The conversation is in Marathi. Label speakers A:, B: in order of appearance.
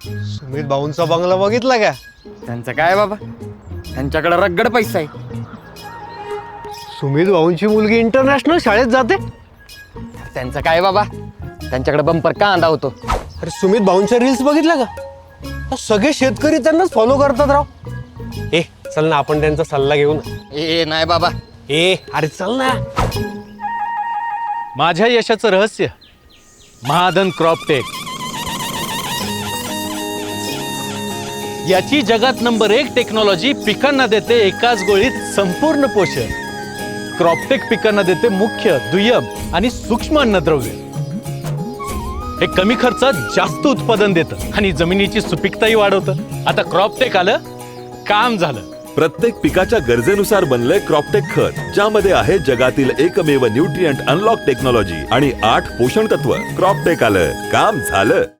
A: सुमित भाऊंचा बंगला बघितला का?
B: त्यांचं काय बाबा, त्यांच्याकडे रगड पैसा आहे.
A: सुमित भाऊंची मुलगी इंटरनॅशनल शाळेत जाते.
B: त्यांचं काय बाबा, त्यांच्याकडे बंपर कांदा होतो.
A: अरे सुमित भाऊंच्या रील्स बघितल्या का? सगळे शेतकरी त्यांनाच फॉलो करतात राव. ए चल ना, आपण त्यांचा सल्ला घेऊ ना.
B: ए नाही बाबा.
A: ए अरे चल ना.
C: माझ्या यशाचं रहस्य महाधन क्रॉपटेक. याची जगात नंबर 1 टेक्नॉलॉजी पिकांना देते एकाच गोळीत संपूर्ण पोषण. क्रॉपटेक पिकांना देते मुख्य, दुय्यम आणि सूक्ष्म अन्नद्रव्य. हे कमी खर्चात जास्त उत्पादन देतं आणि जमिनीची सुपीकताही वाढवतं. आता क्रॉपटेक आलं, काम झालं.
D: प्रत्येक पिकाच्या गरजेनुसार बनलंय क्रॉपटेक खत, ज्यामध्ये आहे जगातील एकमेव न्यूट्रिएंट अनलॉक टेक्नॉलॉजी आणि 8 पोषण तत्व. क्रॉपटेक आलं, काम झालं.